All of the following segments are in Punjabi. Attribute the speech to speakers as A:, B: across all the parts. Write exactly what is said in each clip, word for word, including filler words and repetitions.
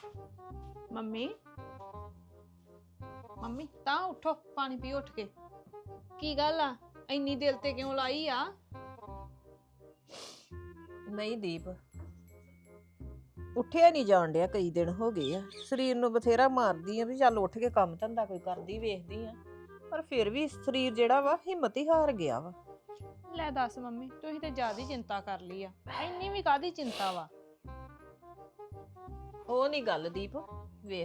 A: ਮੰਮੀ ਮੰਮੀ ਤਾਂ ਉਠੋ, ਪਾਣੀ ਪੀ ਉੱਠ ਕੇ। ਕੀ ਗੱਲ ਆ, ਇੰਨੀ ਦਿਲ ਤੇ ਕਿਉਂ ਲਾਈ ਆ?
B: ਨਹੀਂ ਦੀਪ, ਉੱਠਿਆ ਨਹੀਂ ਜਾਣ ਡਿਆ, ਕਈ ਦਿਨ ਹੋ ਗਏ ਆ। ਸਰੀਰ ਨੂੰ ਬਥੇਰਾ ਮਾਰਦੀ ਆ ਵੀ ਚੱਲ ਉੱਠ ਕੇ ਕੰਮ ਧੰਦਾ ਕੋਈ ਕਰਦੀ ਵੇਖਦੀ ਆ, ਪਰ ਫਿਰ ਵੀ ਸਰੀਰ ਜਿਹੜਾ ਵਾ ਹਿੰਮਤ ਹੀ ਹਾਰ ਗਿਆ ਵਾ।
A: ਲੈ ਦੱਸ ਮੰਮੀ, ਤੁਸੀਂ ਤੇ ਜ਼ਿਆਦਾ ਚਿੰਤਾ ਕਰ ਲਈ ਆ। ਇੰਨੀ ਵੀ ਕਾਹਦੀ ਚਿੰਤਾ ਵਾ?
B: ਉਹ ਨਹੀਂ ਗੱਲ ਦੀਪ, ਵੇਖ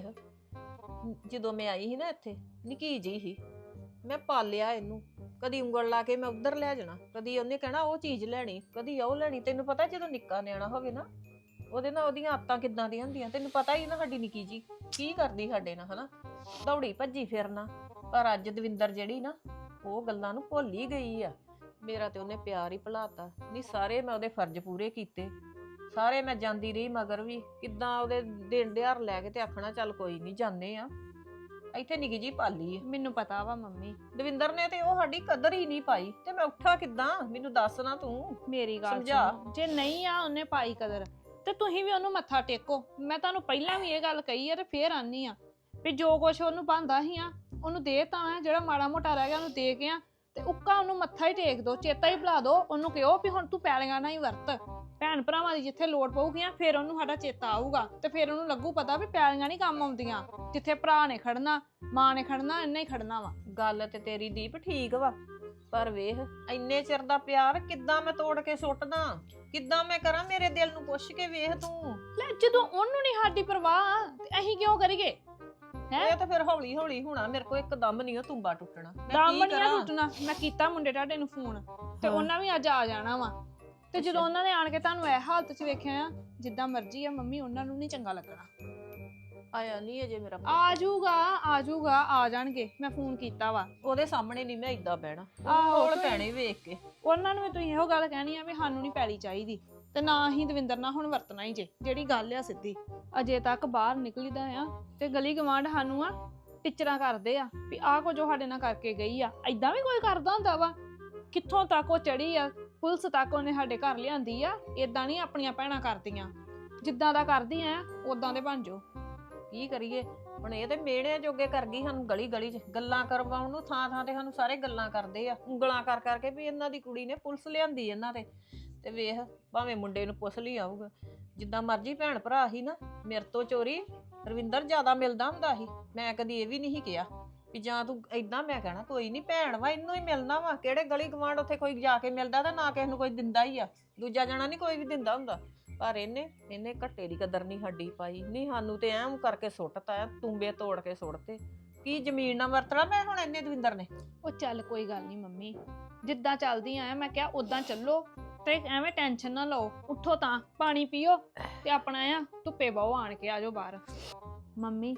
B: ਜਦੋਂ ਮੈਂ ਆਈ ਸੀ ਨਾ ਇੱਥੇ, ਨਿੱਕੀ ਜਿਹੀ ਸੀ, ਮੈਂ ਪਾਲਿਆ ਇਹਨੂੰ। ਕਦੀ ਉਂਗਲ ਲਾ ਕੇ ਮੈਂ ਉੱਧਰ ਲੈ ਜਾਣਾ, ਕਦੀ ਉਹਨੇ ਕਹਿਣਾ ਉਹ ਚੀਜ਼ ਲੈਣੀ, ਕਦੀ ਉਹ ਲੈਣੀ। ਤੈਨੂੰ ਪਤਾ ਜਦੋਂ ਨਿੱਕਾ ਨਿਆਣਾ ਹੋਵੇ ਨਾ, ਉਹਦੇ ਨਾਲ ਉਹਦੀਆਂ ਆਦਤਾਂ ਕਿੱਦਾਂ ਦੀਆਂ ਹੁੰਦੀਆਂ, ਤੈਨੂੰ ਪਤਾ ਹੀ ਨਾ। ਸਾਡੀ ਨਿੱਕੀ ਜੀ ਕੀ ਕਰਦੀ ਸਾਡੇ ਨਾਲ, ਹਨਾ, ਦੌੜੀ ਭੱਜੀ ਫਿਰਨਾ। ਪਰ ਅੱਜ ਦਵਿੰਦਰ ਜਿਹੜੀ ਨਾ, ਉਹ ਗੱਲਾਂ ਨੂੰ ਭੁੱਲ ਹੀ ਗਈ ਆ। ਮੇਰਾ ਤੇ ਉਹਨੇ ਪਿਆਰ ਹੀ ਭੁਲਾਤਾ। ਨਹੀਂ ਸਾਰੇ ਮੈਂ ਉਹਦੇ ਫਰਜ਼ ਪੂਰੇ ਕੀਤੇ, ਸਾਰੇ ਮੈਂ ਜਾਂਦੀ ਰਹੀ ਮਗਰ ਵੀ, ਕਿੱਦਾਂ ਉਹਦੇ ਦਿਨ ਦਿਹਾੜ ਲੈ ਕੇ ਤੇ ਆਖਣਾ ਚੱਲ ਕੋਈ ਨਹੀਂ ਜਾਂਦੇ ਆ। ਇੱਥੇ ਨਿੱਕੀ ਜੀ ਪਾਲੀ ਆ।
A: ਮੈਨੂੰ ਪਤਾ ਵਾ ਮੰਮੀ,
B: ਦਵਿੰਦਰ ਨੇ ਤੇ ਉਹ ਸਾਡੀ ਕਦਰ ਹੀ ਨਹੀਂ ਪਾਈ, ਤੇ ਮੈਂ ਉੱਠਾ ਕਿੱਦਾਂ? ਮੈਨੂੰ ਦੱਸ ਨਾ ਤੂੰ,
A: ਮੇਰੀ ਗੱਲ
B: ਸਮਝਾ।
A: ਸੁਣੋ, ਜੇ ਨਹੀਂ ਆ ਉਹਨੇ ਪਾਈ ਕਦਰ, ਤੇ ਤੁਸੀਂ ਵੀ ਉਹਨੂੰ ਮੱਥਾ ਟੇਕੋ। ਮੈਂ ਤੁਹਾਨੂੰ ਪਹਿਲਾਂ ਵੀ ਇਹ ਗੱਲ ਕਹੀ ਆ ਤੇ ਫੇਰ ਆਨੀ ਆ ਵੀ ਜੋ ਕੁਛ ਉਹਨੂੰ ਬਣਦਾ ਸੀ ਆ ਉਹਨੂੰ ਦੇ ਤਾਂ ਆ, ਜਿਹੜਾ ਮਾੜਾ ਮੋਟਾ ਰਹਿ ਗਿਆ ਉਹਨੂੰ ਦੇ ਕੇ ਆ, ਤੇ ਉੱਕਾ ਉਹਨੂੰ ਮੱਥਾ ਹੀ ਟੇਕ ਦੋ, ਚੇਤਾ ਹੀ ਭੁਲਾ ਦੋ। ਉਹਨੂੰ ਕਿਹੋ ਵੀ ਹੁਣ ਤੂੰ ਪੈਲੀਆਂ ਨਾਲ ਹੀ ਵਰਤ, ਭੈਣ ਭਰਾਵਾਂ ਦੀ ਜਿੱਥੇ ਲੋੜ ਪਊਗੀਆਂ ਫੇਰ ਉਹਨੂੰ ਸਾਡਾ ਚੇਤਾ ਆਊਗਾ, ਤੇ ਫੇਰ ਉਹਨੂੰ ਲੱਗੂ ਪਤਾ ਵੀ ਪੈਲੀਆਂ ਨਹੀਂ ਕੰਮ ਆਉਂਦੀਆਂ। ਜਿੱਥੇ ਭਰਾ ਨੇ ਖੜਨਾ, ਮਾਂ ਨੇ ਖੜਨਾ, ਇੰਨਾ ਹੀ ਖੜਨਾ ਵਾ।
B: ਗੱਲ ਤੇ ਤੇਰੀ ਦੀਪ ਠੀਕ ਵਾ, ਪਰ ਵੇਖ ਇੰਨੇ ਚਿਰ ਦਾ ਪਿਆਰ ਕਿੱਦਾਂ ਮੈਂ ਤੋੜ ਕੇ ਸੁੱਟਦਾ? ਕਿੱਦਾਂ ਮੈਂ ਕਰਾਂ? ਮੇਰੇ ਦਿਲ ਨੂੰ ਪੁੱਛ ਕੇ ਵੇਖ ਤੂੰ।
A: ਲੈ ਜਦੋਂ ਉਹਨੂੰ ਨਹੀਂ ਸਾਡੀ ਪਰਵਾਹ, ਤੇ ਅਸੀਂ ਕਿਉਂ ਕਰੀਏ?
B: ਇਹ ਤਾਂ ਫਿਰ ਹੌਲੀ ਹੌਲੀ ਹੋਣਾ, ਮੇਰੇ ਕੋਲ ਇੱਕਦਮ ਨਹੀਂ ਉਹ ਤੁੰਬਾ ਟੁੱਟਣਾ। ਮੈਂ
A: ਦਮ
B: ਕੀ
A: ਨਹੀਂ
B: ਕਰਾਂ?
A: ਟੁੱਟਣਾ। ਮੈਂ ਕੀਤਾ ਮੁੰਡੇ ਤੁਹਾਡੇ ਨੂੰ ਫੋਨ, ਤੇ ਉਹਨਾਂ ਵੀ ਅੱਜ ਆ ਜਾਣਾ ਵਾ। ਤੇ ਜਦੋਂ ਉਹਨਾਂ ਨੇ ਆਣ ਕੇ ਤੁਹਾਨੂੰ ਇਹ ਹਾਲਤ 'ਚ ਵੇਖਿਆ ਆ, ਜਿੱਦਾਂ ਮਰਜ਼ੀ ਆ ਮੰਮੀ, ਉਹਨਾਂ ਨੂੰ ਨਹੀਂ ਚੰਗਾ ਲੱਗਣਾ।
B: ਆਇਆ ਨਹੀਂ ਅਜੇ ਮੇਰਾ ਪੁੱਤ।
A: ਆ ਜਾਊਗਾ ਆ ਜਾਊਗਾ ਆ ਜਾਣਗੇ, ਮੈਂ ਫੋਨ ਕੀਤਾ ਵਾ।
B: ਉਹਦੇ ਸਾਹਮਣੇ ਨਹੀਂ ਮੈਂ ਏਦਾਂ ਬਹਿਣਾ,
A: ਆਹੋ,
B: ਕੋਲ ਪੈਣੇ ਵੇਖ ਕੇ।
A: ਉਹਨਾਂ ਨੂੰ ਵੀ ਤੁਸੀਂ ਇਹੋ ਗੱਲ ਕਹਿਣੀ ਆ ਵੀ ਸਾਨੂੰ ਨਹੀਂ ਪੈਲੀ ਚਾਹੀਦੀ, ਤੇ ਨਾ ਹੀ ਦਵਿੰਦਰ ਨਾਲ ਹੁਣ ਵਰਤਣਾ ਹੀ ਜੇ। ਜਿਹੜੀ ਗੱਲ ਆ ਸਿੱਧੀ, ਅਜੇ ਤੱਕ ਬਾਹਰ ਨਿਕਲੀਦਾ ਆ ਤੇ ਗਲੀ ਗਵਾਂਢ ਸਾਨੂੰ ਆ ਟਿਚਰਾਂ ਕਰਦੇ ਆ ਵੀ ਆਹ ਕੁਝ ਉਹ ਸਾਡੇ ਨਾਲ ਕਰਕੇ ਗਈ ਆ। ਏਦਾਂ ਵੀ ਕੋਈ ਕਰਦਾ ਹੁੰਦਾ ਵਾ? ਕਿੱਥੋਂ ਤੱਕ ਉਹ ਚੜੀ ਆ, ਪੁਲਿਸ ਤੱਕ ਉਹਨੇ ਸਾਡੇ ਘਰ ਲਿਆਂਦੀ ਆ। ਏਦਾਂ ਨਹੀਂ ਆਪਣੀਆਂ ਭੈਣਾਂ ਕਰਦੀਆਂ, ਜਿੱਦਾਂ ਦਾ ਕਰਦੀਆਂ ਆ ਉਦਾਂ ਦੇ ਬਣ ਜਾਓ।
B: ਕੀ ਕਰੀਏ ਹੁਣ? ਇਹ ਤੇ ਮੇੜਿਆਂ ਜੋਗੇ ਕਰ ਗਈ ਸਾਨੂੰ, ਗਲੀ ਗਲੀ 'ਚ ਗੱਲਾਂ ਕਰਵਾਉਣ ਨੂੰ। ਥਾਂ ਥਾਂ ਤੇ ਸਾਨੂੰ ਸਾਰੇ ਗੱਲਾਂ ਕਰਦੇ ਆ, ਉਂਗਲਾਂ ਕਰ ਕਰਕੇ ਵੀ ਇਹਨਾਂ ਦੀ ਕੁੜੀ ਨੇ ਪੁਲਿਸ ਲਿਆਂਦੀ ਇਹਨਾਂ ਤੇ। ਤੇ ਵੇਖ, ਭਾਵੇਂ ਮੁੰਡੇ ਨੂੰ ਪੁੱਛ ਲਈ ਆਊਗਾ, ਜਿੱਦਾਂ ਮਰਜ਼ੀ ਭੈਣ ਭਰਾ ਹੀ ਨਾ। ਮੇਰੇ ਤੋਂ ਚੋਰੀ ਰਵਿੰਦਰ ਜ਼ਿਆਦਾ ਮਿਲਦਾ ਹੁੰਦਾ ਸੀ। ਮੈਂ ਕਦੀ ਇਹ ਵੀ ਨਹੀਂ ਕਿਹਾ ਵੀ ਜਾਂ ਤੂੰ ਏਦਾਂ। ਮੈਂ ਕਹਿਣਾ ਕੋਈ ਨਹੀਂ, ਭੈਣ ਵਾ, ਇਹਨੂੰ ਹੀ ਮਿਲਣਾ ਵਾ। ਕਿਹੜੇ ਗਲੀ ਗਵਾਂਢ ਉੱਥੇ ਕੋਈ ਜਾ ਕੇ ਮਿਲਦਾ, ਤਾਂ ਨਾ ਕਿਸੇ ਨੂੰ ਕੋਈ ਦਿੰਦਾ ਹੀ ਆ। ਦੂਜਾ ਜਣਾ ਨਹੀਂ ਕੋਈ ਵੀ ਦਿੰਦਾ ਹੁੰਦਾ। ਪਰ ਇਹਨੇ ਇਹਨੇ ਘੱਟੇ ਦੀ ਕਦਰ ਨਹੀਂ ਸਾਡੀ ਪਾਈ। ਨਹੀਂ, ਸਾਨੂੰ ਤੇ ਐਂ ਕਰਕੇ ਸੁੱਟਤਾ, ਤੁੰਬੇ ਤੋੜ ਕੇ ਸੁੱਟਤੇ। ਕੀ ਜ਼ਮੀਨ ਨਾਲ ਵਰਤਣਾ ਮੈਂ ਹੁਣ ਇਹਨੇ ਦਵਿੰਦਰ ਨੇ?
A: ਉਹ ਚੱਲ ਕੋਈ ਗੱਲ ਨਹੀਂ ਮੰਮੀ, ਜਿੱਦਾਂ ਚੱਲਦੀ ਆ ਮੈਂ ਕਿਹਾ ਉਦਾਂ ਚੱਲੋ, ਤੇ ਐਵੇਂ ਟੈਨਸ਼ਨ ਨਾ ਲਓ। ਉੱਠੋ ਤਾਂ ਪਾਣੀ ਪੀਓ ਤੇ ਆਪਣਾ ਆ ਧੁੱਪੇ ਬਹੁ ਆਣ ਕੇ ਆ ਜਾਓ ਬਾਹਰ। ਮੰਮੀ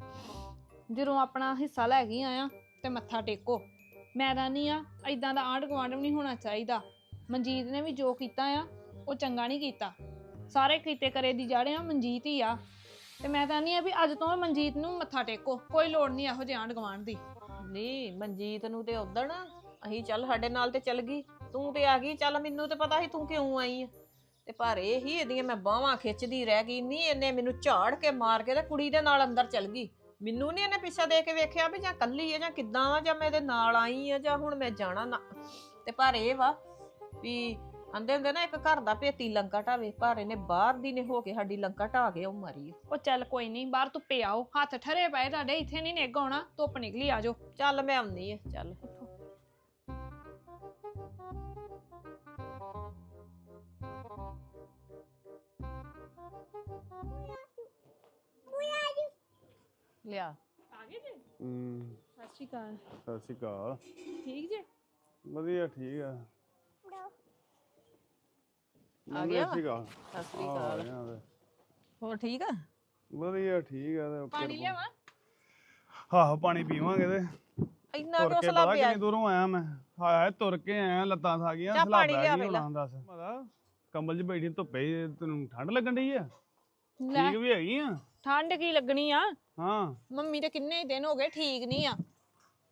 A: ਜਦੋਂ ਆਪਣਾ ਹਿੱਸਾ ਲੈ ਗਈ ਆ ਤੇ ਮੱਥਾ ਟੇਕੋ। ਮੈਂ ਤਾਂ ਨਹੀਂ ਆ ਏਦਾਂ ਦਾ ਆਂਢ ਗੁਆਂਢ ਵੀ ਨਹੀਂ ਹੋਣਾ ਚਾਹੀਦਾ। ਮਨਜੀਤ ਨੇ ਵੀ ਜੋ ਕੀਤਾ ਆ ਉਹ ਚੰਗਾ ਨਹੀਂ ਕੀਤਾ। ਸਾਰੇ ਕੀਤੇ ਕਰੇ ਦੀ ਜੜ ਆ ਮਨਜੀਤ ਹੀ ਆ। ਤੇ ਮੈਂ ਤਾਂ ਨਹੀਂ ਆ ਵੀ ਅੱਜ ਤੋਂ ਮਨਜੀਤ ਨੂੰ ਮੱਥਾ ਟੇਕੋ, ਕੋਈ ਲੋੜ ਨਹੀਂ ਇਹੋ ਜਿਹੇ ਆਂਢ ਗੁਆਂਢ ਦੀ।
B: ਨਹੀਂ, ਮਨਜੀਤ ਨੂੰ ਤੇ ਉਦਣ ਅਸੀਂ ਚੱਲ ਸਾਡੇ ਨਾਲ ਤੇ ਚੱਲ ਗਈ, ਤੂੰ ਤੇ ਆ ਗਈ। ਚੱਲ ਮੈਨੂੰ ਤੇ ਪਤਾ ਸੀ ਤੂੰ ਕਿਉਂ ਆਈ ਆ, ਤੇ ਪਰ ਇਹ ਹੀ ਇਹਦੀਆਂ ਮੈਂ ਬਾਹਾਂ ਖਿੱਚਦੀ ਰਹਿ ਗਈ। ਨਹੀਂ, ਇਹਨੇ ਮੈਨੂੰ ਝਾੜ ਕੇ ਮਾਰ ਕੇ ਤੇ ਕੁੜੀ ਦੇ ਨਾਲ ਅੰਦਰ ਚੱਲ ਗਈ। ਮੈਨੂੰ ਨਹੀਂ ਇਹਨੇ ਪਿੱਛਾ ਦੇ ਕੇ ਵੇਖਿਆ ਵੀ ਜਾਂ ਕੱਲੀ ਆ ਜਾਂ ਕਿੱਦਾਂ ਆ, ਜਾਂ ਮੈਂ ਇਹਦੇ ਨਾਲ ਆਈ ਆ, ਜਾਂ ਹੁਣ ਮੈਂ ਜਾਣਾ ਨਾ। ਤੇ ਪਰ ਇਹ ਵਾ ਵੀ ਆਂਦੇ ਹੁੰਦੇ ਨਾ, ਇੱਕ ਘਰ ਦਾ ਭੇਤੀ ਲੰਕਾ ਢਾਵੇ, ਪਰ ਇਹਨੇ ਬਾਹਰ ਦੀ ਨੇ ਹੋ ਕੇ ਸਾਡੀ ਲੰਕਾ ਢਾ ਕੇ ਉਹ ਮਾਰੀ।
A: ਉਹ ਚੱਲ ਕੋਈ ਨਹੀਂ, ਬਾਹਰ ਧੁੱਪੇ ਆਓ, ਹੱਥ ਠਰੇ ਪਏ ਤੁਹਾਡੇ, ਇੱਥੇ ਨਹੀਂ ਨਿੱਘ ਆਉਣਾ, ਧੁੱਪ ਨਿਕਲੀ ਆ ਜਾਓ।
B: ਚੱਲ ਮੈਂ ਆਉਂਦੀ ਆ, ਚੱਲ। ਲਿਆ
A: ਆ ਗਏ ਜੀ?
C: ਹੂੰ,
A: ਸਤਿ ਸ਼੍ਰੀ ਅਕਾਲ।
C: ਸਤਿ ਸ਼੍ਰੀ ਅਕਾਲ।
A: ਠੀਕ ਜੇ?
C: ਵਧੀਆ, ਠੀਕ ਆ।
B: ਆ ਗਿਆ?
C: ਸਤਿ ਸ਼੍ਰੀ ਅਕਾਲ।
B: ਸਤਿ ਸ੍ਰੀ
C: ਆ
B: ਅਕਾਲ।
C: ਗਿਆ ਤੇ।
B: ਹੋਰ ਠੀਕ ਆ?
C: ਵਧੀਆ, ਠੀਕ ਆ। ਤੇ
A: ਪਾਣੀ ਲਿਆਵਾਂ?
C: ਆਹੋ, ਪਾਣੀ ਪੀਵਾਂਗੇ ਤੇ।
B: ਇੰਨਾ
C: ਤੁਰ
B: ਕਿਉਂ
C: ਕੇ
B: ਸਲਾਹ
C: ਪਤਾ
B: ਪਿਆ?
C: ਕਿੰਨੀ ਦੂਰੋਂ ਆਇਆ ਮੈਂ। ਹਾਏ, ਤੁਰ ਕੇ ਆਇਆ, ਲੱਤਾਂ ਥਾ ਗਈਆਂ।
B: ਜਾ ਪਾਣੀ
C: ਸਲਾਬਾ
B: ਲਿਆ
C: ਕੀ
B: ਪਹਿਲਾਂ।
C: ਹੋਣਾ ਦੱਸ। ਪਤਾ ਕੰਬਲ 'ਚ ਬੈਠੀ ਧੁੱਪੇ, ਤੈਨੂੰ ਠੰਡ ਲੱਗਣ ਡਈ ਆ?
A: ਲੈ
C: ਠੀਕ ਵੀ ਹੈਗੀ ਆ?
A: ਠੰਡ ਕੀ ਲੱਗਣੀ ਆ,
C: ਹਾਂ।
A: ਮੰਮੀ ਤੇ ਕਿੰਨੇ ਦਿਨ ਹੋ ਗਏ ਠੀਕ ਨਹੀਂ ਆ।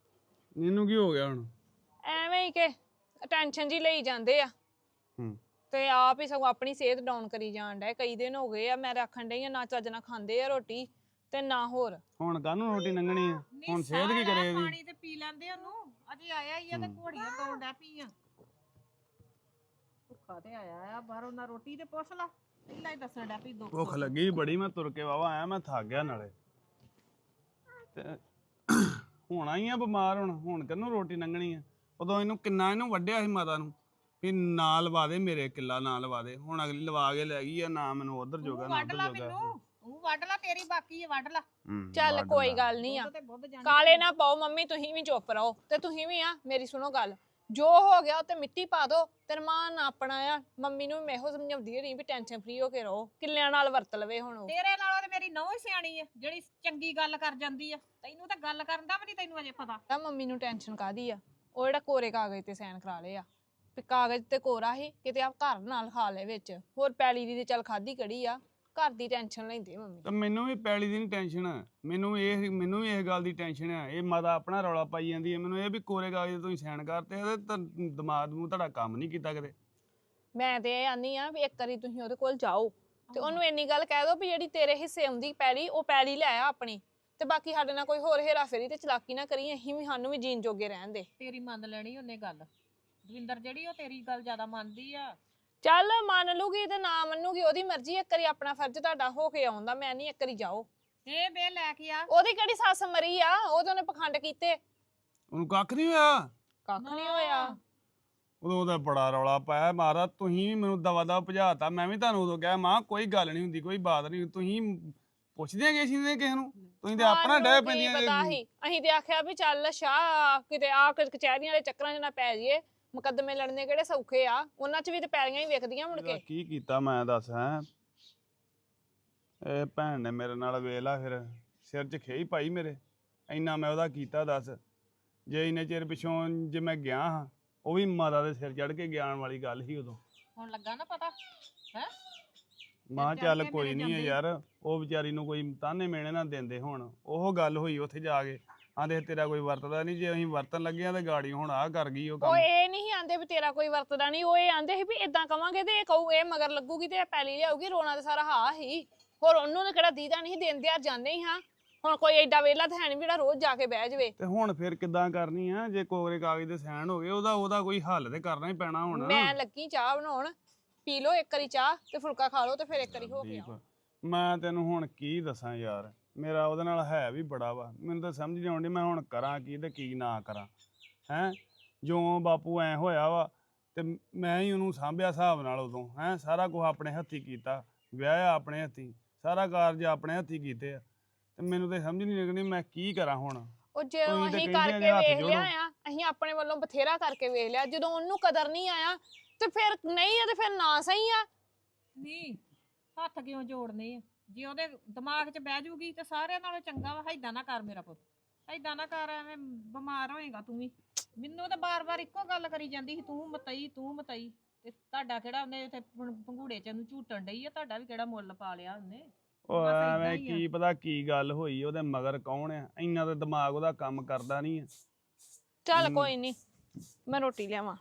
C: ਇਹਨੂੰ ਕੀ ਹੋ ਗਿਆ ਹੁਣ?
A: ਐਵੇਂ ਹੀ ਕਿ ਟੈਨਸ਼ਨ ਜੀ ਲਈ ਜਾਂਦੇ ਆ।
C: ਹੂੰ,
A: ਤੇ ਆਪ ਹੀ ਸਗੋਂ ਆਪਣੀ ਸਿਹਤ ਡਾਊਨ ਕਰੀ ਜਾਣ ਡਿਆ। ਕਈ ਦਿਨ ਹੋ ਗਏ ਆ ਮੈਂ ਤਾਂ ਆਖਣ ਡਈ ਆ ਨਾ ਚੱਜ ਨਾਲ ਖਾਂਦੇ ਆ ਰੋਟੀ ਤੇ ਨਾ ਹੋਰ।
C: ਹੁਣ ਕਾਹਨੂੰ ਰੋਟੀ ਲੰਘਣੀ ਆ? ਹੁਣ ਸਿਹਤ ਕੀ ਕਰੇ ਇਹਦੀ?
B: ਪਾਣੀ ਤੇ ਪੀ ਲੈਂਦੇ ਉਹਨੂੰ, ਅਜੇ ਆਇਆ ਹੀ ਆ ਤੇ ਘੋੜੀਆਂ ਤੋੜ ਡੈ ਪਈਆਂ। ਭੁੱਖਾ ਤੇ ਆਇਆ ਆ ਬਾਹਰੋਂ, ਨਾ ਰੋਟੀ ਤੇ ਪੁੱਛ ਲਾ, ਪਹਿਲਾਂ ਹੀ ਦੱਸਣ ਡੈ ਪਈ ਦੁੱਖ।
C: ਭੁੱਖ ਲੱਗੀ ਬੜੀ, ਮੈਂ ਤੁਰ ਕੇ ਵਾਵਾ ਆਇਆ, ਮੈਂ ਥੱਕ ਗਿਆ ਨਾਲੇ ਤੇ ਹੋਣਾ ਹੀ ਆ ਬਿਮਾਰ। ਹੁਣ ਹੁਣ ਕਿਹਨੂੰ ਰੋਟੀ ਲੰਘਣੀ ਆ? ਉਦੋਂ ਇਹਨੂੰ ਕਿੰਨਾ ਇਹਨੂੰ ਵੱਢਿਆ ਸੀ ਮਾਤਾ ਨੂੰ ਵੀ ਨਾ ਲਵਾ ਦੇ ਮੇਰੇ ਕਿੱਲਾ, ਨਾ ਲਵਾ ਦੇ। ਹੁਣ ਅਗਲੀ ਲਵਾ ਕੇ ਲੈ ਗਈ ਆ, ਨਾ ਮੈਨੂੰ ਉਧਰ ਜੋਗਾ ਨਾ
B: ਵੱਢ ਲਾ
C: ਉਧਰ ਜੋਗਾ।
B: ਮੈਨੂੰ, ਤੂੰ ਵੱਢ ਲਾ, ਤੇਰੀ ਬਾਕੀ ਹੈ, ਵੱਢ ਲਾ।
C: ਹੂੰ,
A: ਚੱਲ
C: ਵੱਢ
A: ਕੋਈ
C: ਲਾ।
A: ਗੱਲ ਨਹੀਂ ਆ,
B: ਦੁੱਧ ਤੇ ਬੁੱਧ ਜਾਣੀ
A: ਕਾਲੇ ਨਾ ਪਾਓ ਮੰਮੀ, ਤੁਸੀਂ ਵੀ ਚੁੱਪ ਰਹੋ ਤੇ ਤੁਸੀਂ ਵੀ ਆ ਮੇਰੀ ਸੁਣੋ ਗੱਲ। ਜੋ ਹੋ ਗਿਆ ਉਹ ਤੇ ਮਿੱਟੀ ਪਾ ਦੋ ਤੇ ਰਮਾਨ ਆਪਣਾ ਆ। ਮੰਮੀ ਨੂੰ ਮੈਂ ਇਹੋ ਸਮਝਾਉਂਦੀ ਰਹੀ ਵੀ ਟੈਨਸ਼ਨ ਫ੍ਰੀ ਹੋ ਕੇ ਰਹੋ, ਕਿੱਲਿਆਂ ਨਾਲ ਵਰਤ ਲਵੇ ਹੁਣ ਉਹ।
B: ਤੇਰੇ ਨਾਲੋਂ ਤੇ ਮੇਰੀ ਨੌਂ ਹੀ ਸਿਆਣੀ ਆ, ਜਿਹੜੀ ਚੰਗੀ ਗੱਲ ਕਰ ਜਾਂਦੀ ਆ। ਤੈਨੂੰ ਤਾਂ ਗੱਲ ਕਰਨ ਦਾ ਵੀ ਨਹੀਂ ਤੈਨੂੰ ਅਜੇ ਪਤਾ।
A: ਤਾਂ ਮੰਮੀ ਨੂੰ ਟੈਨਸ਼ਨ ਕਾਦੀ ਆ? ਉਹ ਜਿਹੜਾ ਕੋਰੇ ਕਾਗਜ਼ ਤੇ ਸਾਈਨ ਕਰਾ ਲਏ ਆ, ਤੇ ਕਾਗਜ਼ ਤੇ ਕੋਰਾ ਹੀ ਕਿਤੇ ਆਪ ਘਰ ਨਾਲ ਖਾ ਲੈ ਵਿੱਚ। ਹੋਰ ਪੈਲੀ ਦੀ ਤੇ ਚੱਲ ਖਾਦੀ ਕੜੀ ਆ, ਘਰ ਦੀ ਟੈਨਸ਼ਨ ਲੈਂਦੇ ਮੰਮੀ।
C: ਤਾਂ ਮੈਨੂੰ ਵੀ ਪੈਲੀ ਦੀ ਨਹੀਂ ਟੈਨਸ਼ਨ, ਮੈਨੂੰ ਇਹ ਮੈਨੂੰ ਵੀ ਇਸ ਗੱਲ ਦੀ ਟੈਨਸ਼ਨ ਆ। ਇਹ ਮਾਤਾ ਆਪਣਾ ਰੌਲਾ ਪਾਈ ਜਾਂਦੀ ਹੈ ਮੈਨੂੰ, ਇਹ ਵੀ ਕੋਰੇ ਕਾਗਜ਼ ਤੁਸੀਂ ਸਾਈਨ ਕਰਤੇ, ਇਹਦੇ ਤਾਂ ਦਿਮਾਗ ਨੂੰ ਤੁਹਾਡਾ ਕੰਮ ਨਹੀਂ ਕੀਤਾ ਕਦੇ।
A: ਮੈਂ ਤੇ ਇਹ ਆਨੀ ਆ ਵੀ ਇੱਕ ਵਾਰੀ ਤੁਸੀਂ ਉਹਦੇ ਕੋਲ ਜਾਓ ਤੇ ਉਹਨੂੰ ਇੰਨੀ ਗੱਲ ਕਹਿ ਦਿਓ ਵੀ ਜਿਹੜੀ ਤੇਰੇ ਹਿੱਸੇ ਆਉਂਦੀ ਪੈਲੀ, ਉਹ ਪੈਲੀ ਲੈ ਆ ਆਪਣੀ, ਤੇ ਬਾਕੀ ਸਾਡੇ ਨਾਲ ਕੋਈ ਹੋਰ ਹੇਰਾ ਫੇਰੀ ਤੇ ਚਲਾਕੀ ਨਾ ਕਰੀ। ਅਸੀਂ ਵੀ ਸਾਨੂੰ ਵੀ ਜੀਣ ਜੋਗੇ ਰਹਿਣ ਦੇ।
B: ਤੇਰੀ ਮੰਨ ਲੈਣੀ ਉਹਨੇ ਗੱਲ, ਦਵਿੰਦਰ ਜਿਹੜੀ ਉਹ ਤੇਰੀ ਗੱਲ ਜ਼ਿਆਦਾ ਮੰਨਦੀ ਆ।
A: ਚੱਲ ਮੰਨ ਲੂਗੀ ਤੇ ਨਾ ਮੰਨੂਗੀ ਉਹਦੀ ਮਰਜ਼ੀ। ਇੱਕ ਵਾਰੀ ਆਪਣਾ ਫਰਜ਼ ਤੁਹਾਡਾ ਹੋ ਕੇ ਆਉਂਦਾ, ਮੈਂ ਨਹੀਂ। ਇੱਕ ਵਾਰੀ ਜਾਓ,
B: ਇਹ ਬੇ ਲੈ ਕੇ ਆ।
A: ਉਹਦੀ ਕਿਹੜੀ ਸੱਸ ਮਰੀ ਆ? ਉਹ ਤਾਂ ਉਹਨੇ ਪਖੰਡ ਕੀਤੇ,
C: ਉਹਨੂੰ ਕੱਖ ਨਹੀਂ ਹੋਇਆ।
A: ਕੱਖ ਨਹੀਂ ਹੋਇਆ।
C: ਉਦੋਂ ਉਹਦਾ ਬੜਾ ਰੌਲਾ ਪਾਇਆ ਮਾਰਾ, ਤੁਸੀਂ ਵੀ ਮੈਨੂੰ ਦਵਾ ਦਵਾ ਭਜਾਤਾ। ਮੈਂ ਵੀ ਤੁਹਾਨੂੰ ਉਦੋਂ ਕਿਹਾ ਮਾਂ ਕੋਈ ਗੱਲ ਨਹੀਂ ਹੁੰਦੀ, ਕੋਈ ਬਾਤ ਨਹੀਂ। ਤੁਸੀਂ ਪੁੱਛਦੇ ਗਏ ਸੀ ਨੇ ਕਿਸੇ ਨੂੰ? ਤੁਸੀਂ ਤੇ ਆਪਣਾ ਡੈ
A: ਸਾਨੂੰ ਕੀ
C: ਪੈਂਦੀਆਂ
A: ਪਤਾ ਸੀ? ਅਸੀਂ ਤੇ ਆਖਿਆ ਵੀ ਚੱਲ ਸ਼ਾਹ ਕਿਤੇ ਆ ਕਚਹਿਰੀਆਂ ਦੇ ਚੱਕਰਾਂ 'ਚ ਨਾ ਪੈ ਜਾਈਏ, ਮੁਕੱਦਮੇ ਲੜਨੇ ਕਿਹੜੇ ਸੌਖੇ ਆ, ਉਹਨਾਂ 'ਚ ਵੀ ਤੇ ਪੈਲੀਆਂ ਹੀ ਵੇਖਦੀਆਂ ਮੁੜ ਕੇ।
C: ਕੀ ਕੀਤਾ ਮੈਂ ਦੱਸ ਹੈਂ? ਇਹ ਭੈਣ ਨੇ ਮੇਰੇ ਨਾਲ ਵੇਲਾ ਫਿਰ ਸਿਰ 'ਚ ਖੇਈ ਪਾਈ ਮੇਰੇ। ਇੰਨਾ ਮੈਂ ਉਹਦਾ ਕੀਤਾ ਦੱਸ। ਜੇ ਇੰਨੇ ਚਿਰ ਪਿੱਛੋਂ ਜੇ ਮੈਂ ਗਿਆ ਹਾਂ, ਉਹ ਵੀ ਮਾਤਾ ਦੇ ਸਿਰ ਚੜ ਕੇ ਗਿਆਨ ਵਾਲੀ ਗੱਲ ਸੀ ਉਦੋਂ।
B: ਹੁਣ ਲੱਗਾ ਨਾ ਪਤਾ ਹੈ?
C: ਮਾਂ ਚੱਲ ਕੋਈ ਨਹੀਂ ਹੈ ਯਾਰ, ਉਹ ਵਿਚਾਰੀ ਨੂੰ ਕੋਈ ਤਾਨੇ ਮੇਣੇ ਨਾ ਦਿੰਦੇ। ਹੁਣ ਉਹ ਗੱਲ ਹੋਈ ਉੱਥੇ ਜਾ ਕੇ, ਆਂਦੇ ਤੇਰਾ ਕੋਈ ਵਰਤਦਾ ਨਹੀਂ। ਜੇ ਅਸੀਂ ਵਰਤਣ ਲੱਗੇ ਆ ਤੇ ਗਾੜੀ ਹੁਣ ਆਹ ਕਰ ਗਈ ਉਹ
A: ਉਹ
C: ਕੰਮ।
A: ਇਹ ਨਹੀਂ ਆਂਦੇ ਵੀ ਤੇਰਾ ਕੋਈ ਵਰਤਦਾ ਨਹੀਂ, ਉਹ ਇਹ ਆਂਦੇ ਸੀ ਵੀ ਇਦਾਂ ਕਵਾਂਗੇ ਤੇ ਇਹ ਕਹੂ, ਇਹ ਮਗਰ ਲੱਗੂਗੀ ਤੇ ਇਹ ਪੈਲੀ ਲਿਆਊਗੀ। ਰੋਣਾ ਤੇ ਸਾਰਾ ਹਾਂ ਹੀ, ਹੋਰ ਉਹਨੂੰ ਨੇ ਕਿਹੜਾ ਦੀਦਾ ਨਹੀਂ, ਦਿਨ ਦਿਹਾੜ ਜਾਂਦੇ ਹੀ ਹਾਂ। ਹੁਣ ਕੋਈ ਐਡਾ ਵੇਲਾ ਤਾਂ ਹੈ ਨਹੀਂ ਜਿਹੜਾ ਰੋਜ਼ ਜਾ ਕੇ ਬਹਿ ਜਾਵੇ।
C: ਤੇ ਹੁਣ ਫਿਰ ਕਿੱਦਾਂ ਕਰਨੀ ਆ? ਜੇ ਕੋਰੇ ਕਾਗਜ਼ ਦੇ ਸਾਈਨ ਹੋ ਗਏ, ਉਹਦਾ ਉਹਦਾ ਕੋਈ ਹੱਲ ਤੇ ਕਰਨਾ ਹੀ ਪੈਣਾ ਹੁਣ।
A: ਮੈਂ ਲੱਗੀ ਚਾਹ ਬਣਾਉਣ, ਪੀ ਲਓ ਇੱਕ ਵਾਰੀ ਚਾਹ ਤੇ ਫੁਲਕਾ ਖਾ ਲਓ ਤੇ ਫਿਰ ਇੱਕ ਵਾਰੀ ਹੋ ਕੇ ਆਓ।
C: ਮੈਂ ਤੈਨੂੰ ਹੁਣ ਕੀ ਦੱਸਾਂ ਯਾਰ, ਮੇਰਾ ਉਹਦੇ ਨਾਲ ਹੈ ਵੀ ਬੜਾ ਵਾ। ਮੈਨੂੰ ਤਾਂ ਸਮਝ ਨਹੀਂ ਆਉਂਦੀ ਮੈਂ ਹੁਣ ਕਰਾਂ ਕੀ ਤੇ ਕੀ ਨਾ ਕਰਾਂ। ਹੈਂ ਜੋ ਬਾਪੂ ਐ ਹੋਇਆ ਵਾ ਤੇ ਮੈਂ ਹੀ ਉਹਨੂੰ ਸਾਂਭਿਆ ਹਿਸਾਬ ਨਾਲ ਉਦੋਂ। ਹੈਂ ਸਾਰਾ ਕੁਝ ਆਪਣੇ ਹੱਥੀਂ ਕੀਤਾ, ਵਿਆਹਿਆ ਆਪਣੇ ਹੱਥੀਂ, ਸਾਰਾ ਕਾਰਜ ਆਪਣੇ ਹੱਥੀਂ ਕੀਤੇ ਆ, ਤੇ ਮੈਨੂੰ ਤਾਂ ਸਮਝ ਨਹੀਂ ਲੱਗਣੀ ਮੈਂ ਕੀ ਕਰਾਂ ਹੁਣ।
A: ਉਹ ਜਦੋਂ
C: ਤੁਸੀਂ ਤੇ
A: ਅਸੀਂ
C: ਕਹਿੰਦੇ
A: ਕਰਕੇ
C: ਆ ਹੱਥ
A: ਵੇਖ
C: ਜੋੜੋ।
A: ਲਿਆ ਆ, ਅਸੀਂ ਆਪਣੇ ਵੱਲੋਂ ਬਥੇਰਾ ਕਰਕੇ ਵੇਖ ਲਿਆ। ਜਦੋਂ ਉਹਨੂੰ ਕਦਰ ਨਹੀਂ ਆਇਆ ਤੇ ਫਿਰ ਨਹੀਂ ਆ ਤੇ ਫਿਰ ਨਾ ਸਹੀ ਆ।
B: ਨਹੀਂ ਹੱਥ ਕਿਉਂ ਜੋੜਨੇ ਆ? ਜੇ ਉਹਦੇ ਦਿਮਾਗ 'ਚ ਬਹਿ ਜੂਗੀ ਤੇ ਸਾਰਿਆਂ ਨਾਲੋਂ ਚੰਗਾ ਵਾ। ਏਦਾਂ ਨਾ ਕਰ ਮੇਰਾ ਪੁੱਤ, ਏਦਾਂ ਨਾ ਕਰ, ਐਵੇਂ ਬਿਮਾਰ ਹੋਏਗਾ ਤੂੰ ਵੀ। ਮੈਨੂੰ ਤਾਂ ਬਾਰ-ਬਾਰ ਇੱਕੋ ਗੱਲ ਕਰੀ ਜਾਂਦੀ ਸੀ, ਤੂੰ ਮਤਈ ਤੂੰ ਮਤਈ। ਤੇ ਤੁਹਾਡਾ ਕਿਹੜਾ ਉਹਨੇ ਉੱਥੇ ਭੰਗੂੜੇ 'ਚ ਉਹਨੂੰ ਝੂਟਣ ਡਈ ਆ? ਤੁਹਾਡਾ ਵੀ ਕਿਹੜਾ ਮੁੱਲ ਪਾ ਲਿਆ ਉਹਨੇ?
C: ਉਹ
B: ਬਸ ਏਦਾਂ
C: ਐਵੇਂ
B: ਹੀ ਆ।
C: ਕੀ ਪਤਾ ਕੀ ਗੱਲ ਹੋਈ, ਉਹਦੇ ਮਗਰ ਕੌਣ ਆ? ਇੰਨਾ ਤਾਂ ਦਿਮਾਗ ਉਹਦਾ ਕੰਮ ਕਰਦਾ ਨਹੀਂ ਆ।
A: ਚੱਲ ਕੋਈ ਨਹੀਂ, ਮੈਂ ਰੋਟੀ ਲਿਆਵਾਂ।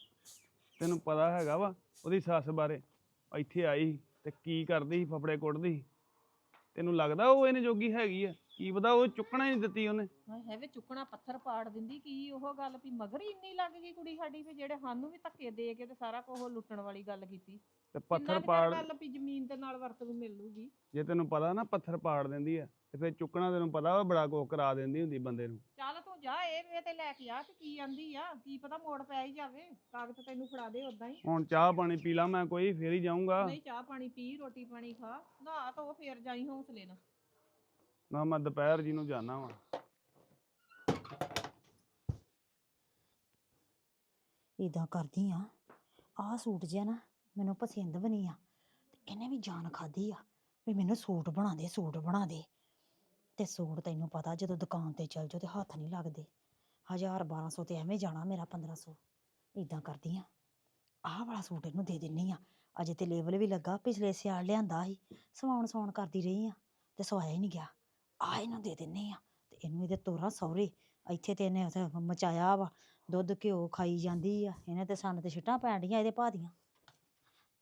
C: ਤੈਨੂੰ ਪਤਾ ਹੈਗਾ ਵਾ ਉਹਦੀ ਸੱਸ ਬਾਰੇ? ਇੱਥੇ ਆਈ ਸੀ ਤੇ ਕੀ ਕਰਦੀ ਸੀ, ਫਫੜੇ ਕੁੱਟਦੀ ਸੀ। ਤੈਨੂੰ ਲੱਗਦਾ ਉਹ ਇਹਨੇ ਜੋਗੀ ਹੈਗੀ ਆ? ਕੀ ਪਤਾ ਉਹ ਚੁੱਕਣਾ ਹੀ ਨਹੀਂ ਦਿੱਤੀ ਉਹਨੇ।
B: ਹੈ ਵੇ ਚੁੱਕਣਾ ਪੱਥਰ ਪਾੜ ਦਿੰਦੀ। ਕੀ ਉਹ ਗੱਲ ਵੀ ਮਗਰ ਹੀ ਇੰਨੀ ਲੱਗ ਗਈ ਕੁੜੀ ਸਾਡੀ, ਵੀ ਜਿਹੜੇ ਸਾਨੂੰ ਵੀ ਧੱਕੇ ਦੇ ਕੇ ਤੇ ਸਾਰਾ ਕੁਝ ਲੁੱਟਣ ਵਾਲੀ ਗੱਲ ਕੀਤੀ।
C: ਤੇ ਪੱਥਰ
B: ਕਿੰਨਾ ਕੁ
C: ਪਾੜ,
B: ਚਿਰ ਗੱਲ ਵੀ ਜ਼ਮੀਨ ਦੇ ਨਾਲ ਵਰਤ ਨੂੰ ਮਿਲੂਗੀ।
C: ਜੇ ਤੈਨੂੰ ਪਤਾ ਨਾ ਪੱਥਰ ਪਾੜ ਦਿੰਦੀ ਆ ਤੇ ਫਿਰ ਚੁੱਕਣਾ ਤੈਨੂੰ ਪਤਾ ਵਾ ਬੜਾ ਕੁਛ ਕਰਾ ਦਿੰਦੀ ਹੁੰਦੀ ਬੰਦੇ ਨੂੰ।
B: ਚੱਲ ਤੂੰ ਜਾ ਇਹ ਇਹ ਤੇ ਲੈ ਕੇ ਆ ਕਿ ਕੀ ਆਂਦੀ ਆ, ਕੀ ਪਤਾ ਮੋੜ ਪੈ ਹੀ ਜਾਵੇ। ਕਾਗਜ਼ ਤੈਨੂੰ ਫੜਾ ਦੇ ਉਦਾਂ ਹੀ।
C: ਹੁਣ ਚਾਹ ਪਾਣੀ ਪੀ ਲਾ ਮੈਂ ਕੋਈ, ਫੇਰ ਹੀ ਜਾਊਂਗਾ।
B: ਨਹੀਂ ਚਾਹ ਪਾਣੀ ਪੀ, ਰੋਟੀ ਪਾਣੀ ਖਾ, ਨਹਾ ਧੋ ਫੇਰ ਜਾਈ ਹੌਸਲੇ ਨਾਲ।
C: ਨਾ ਮੈਂ ਦੁਪਹਿਰ ਜੀ ਨੂੰ ਜਾਣਾ ਵਾ।
D: ਇਦਾਂ ਕਰਦੀ ਆ, ਆਹ ਸੂਟ ਜਿਹਾ ਨਾ ਮੈਨੂੰ ਪਸੰਦ ਵੀ ਨਹੀਂ ਆ, ਤੇ ਇਹਨੇ ਵੀ ਜਾਨ ਖਾਦੀ ਆ ਵੀ ਮੈਨੂੰ ਸੂਟ ਬਣਾ ਦੇ, ਸੂਟ ਬਣਾ ਦੇ। ਤੇ ਸੂਟ ਤੈਨੂੰ ਪਤਾ ਜਦੋਂ ਦੁਕਾਨ ਤੇ ਚਲ ਜਾਓ ਤੇ ਹੱਥ ਨਹੀਂ ਲੱਗਦੇ। ਹਜ਼ਾਰ ਬਾਰਾਂ ਸੌ ਤੇ ਐਵੇਂ ਜਾਣਾ ਮੇਰਾ, ਪੰਦਰਾਂ ਸੌ। ਇਦਾਂ ਕਰਦੀ ਆ, ਆਹ ਵਾਲਾ ਸੂਟ ਇਹਨੂੰ ਦੇ ਦਿੰਨੀ ਆ। ਅਜੇ ਤੇ ਲੇਬਲ ਵੀ ਲੱਗਾ, ਪਿਛਲੇ ਸਿਆਲ ਲਿਆਂਦਾ ਸੀ, ਸਵਾਉਣ ਸਵਾਉਣ ਕਰਦੀ ਰਹੀ ਆ ਤੇ ਸਵਾਇਆ ਹੀ ਨਹੀਂ ਗਿਆ। ਆਹ ਇਹਨੂੰ ਦੇ ਦਿੰਨੀ ਆ ਤੇ ਇਹਨੂੰ ਇਹਦੇ ਤੋਰਾ ਸਹੁਰੇ। ਇੱਥੇ ਤੇ ਇਹਨੇ ਉੱਥੇ ਮਚਾਇਆ ਵਾ, ਦੁੱਧ ਘਿਓ ਖਾਈ ਜਾਂਦੀ ਆ। ਇਹਨੇ ਤੇ ਸਾਨੂੰ ਤੇ ਛਿੱਟਾਂ ਪੈਣ ਡੀਆਂ ਇਹਦੇ ਭਾਅ ਦੀਆਂ।